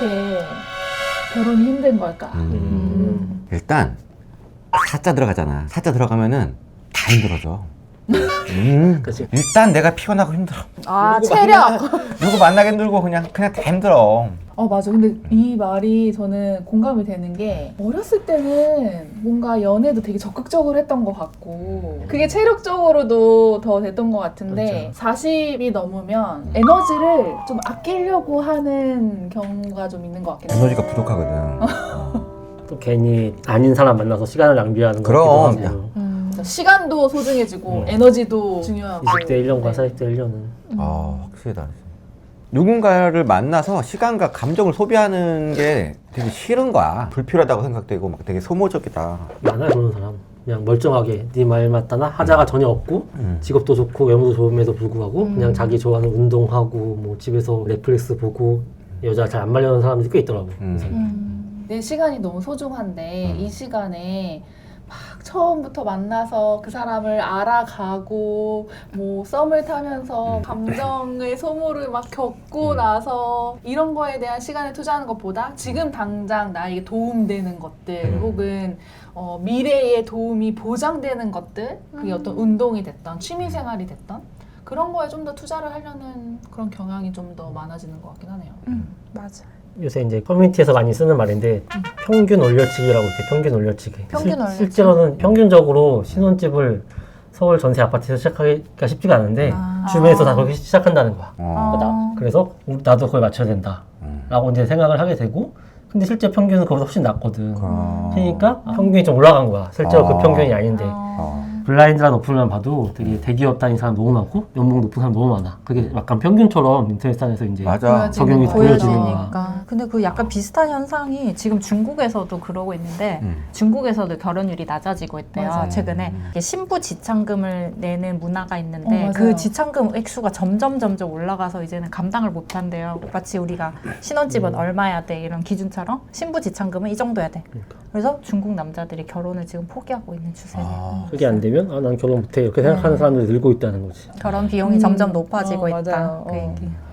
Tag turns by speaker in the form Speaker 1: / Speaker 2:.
Speaker 1: 왜 결혼이 힘든 걸까?
Speaker 2: 일단 사자 들어가잖아. 사자 들어가면은 다 힘들어져.
Speaker 3: 그치.
Speaker 2: 일단 내가 피곤하고 힘들어.
Speaker 1: 아,
Speaker 2: 누구
Speaker 1: 체력!
Speaker 2: 누구 만나기 힘들고 그냥 다 힘들어.
Speaker 1: 맞아. 근데 이 말이 저는 공감이 되는 게 어렸을 때는 뭔가 연애도 되게 적극적으로 했던 것 같고 그게 체력적으로도 더 됐던 것 같은데 40이 넘으면 에너지를 좀 아끼려고 하는 경우가 좀 있는 것 같긴 해요.
Speaker 2: 에너지가 부족하거든.
Speaker 3: 또 괜히 아닌 사람 만나서 시간을 낭비하는 것
Speaker 2: 그럼.
Speaker 3: 같기도 하고.
Speaker 1: 시간도 소중해지고 에너지도 중요하고
Speaker 3: 20대 1년과
Speaker 1: 네.
Speaker 3: 40대 1년은
Speaker 2: 확실히 다르지. 누군가를 만나서 시간과 감정을 소비하는 게 되게 싫은 거야. 불필요하다고 생각되고 막 되게 소모적이다.
Speaker 3: 많아요 그런 사람. 그냥 멀쩡하게 네 말 맞다나 하자가 전혀 없고 직업도 좋고 외모도 좋음에도 불구하고 그냥 자기 좋아하는 운동하고 뭐 집에서 넷플릭스 보고 여자 잘 안 말려는 사람들이 꽤 있더라고.
Speaker 1: 내 시간이 너무 소중한데 이 시간에 막 처음부터 만나서 그 사람을 알아가고 뭐 썸을 타면서 감정의 소모를 막 겪고 나서 이런 거에 대한 시간을 투자하는 것보다 지금 당장 나에게 도움되는 것들 혹은 미래에 도움이 보장되는 것들 그게 어떤 운동이 됐던 취미생활이 됐던 그런 거에 좀 더 투자를 하려는 그런 경향이 좀 더 많아지는 것 같긴 하네요.
Speaker 4: 맞아.
Speaker 3: 요새 이제 커뮤니티에서 많이 쓰는 말인데 평균 올려치기라고 있대. 평균 올려치기.
Speaker 4: 평균 올려치기.
Speaker 3: 실제로는 평균적으로 신혼집을 서울 전세 아파트에서 시작하기가 쉽지가 않은데 주변에서 다 그렇게 시작한다는 거야. 그래서 나도 그걸 맞춰야 된다 라고 이제 생각을 하게 되고 근데 실제 평균은 그보다 훨씬 낮거든. 그러니까 평균이 좀 올라간 거야. 실제로 그 평균이 아닌데 블라인드라는 어플만 봐도 되게 대기업 다닌 사람 너무 많고 연봉 높은 사람 너무 많아. 그게 약간 평균처럼 인터넷상에서 이제
Speaker 2: 맞아.
Speaker 3: 적용이 보여지는 거야.
Speaker 4: 보여지니까. 근데 그 약간 비슷한 현상이 지금 중국에서도 그러고 있는데 중국에서도 결혼율이 낮아지고 있대요.
Speaker 1: 맞아요.
Speaker 4: 최근에 이게 신부 지참금을 내는 문화가 있는데
Speaker 1: 맞아요.
Speaker 4: 그 지참금 액수가 점점 올라가서 이제는 감당을 못 한대요. 마치 우리가 신혼집은 얼마야 돼 이런 기준처럼 신부 지참금은 이 정도야 돼. 그래서 중국 남자들이 결혼을 지금 포기하고 있는 추세예요.
Speaker 3: 그게 안 되면 난 결혼 못해 이렇게 생각하는 사람들이 늘고 있다는 거지.
Speaker 4: 결혼 비용이 점점 높아지고 있다.
Speaker 1: 맞아요.
Speaker 4: 그 얘기.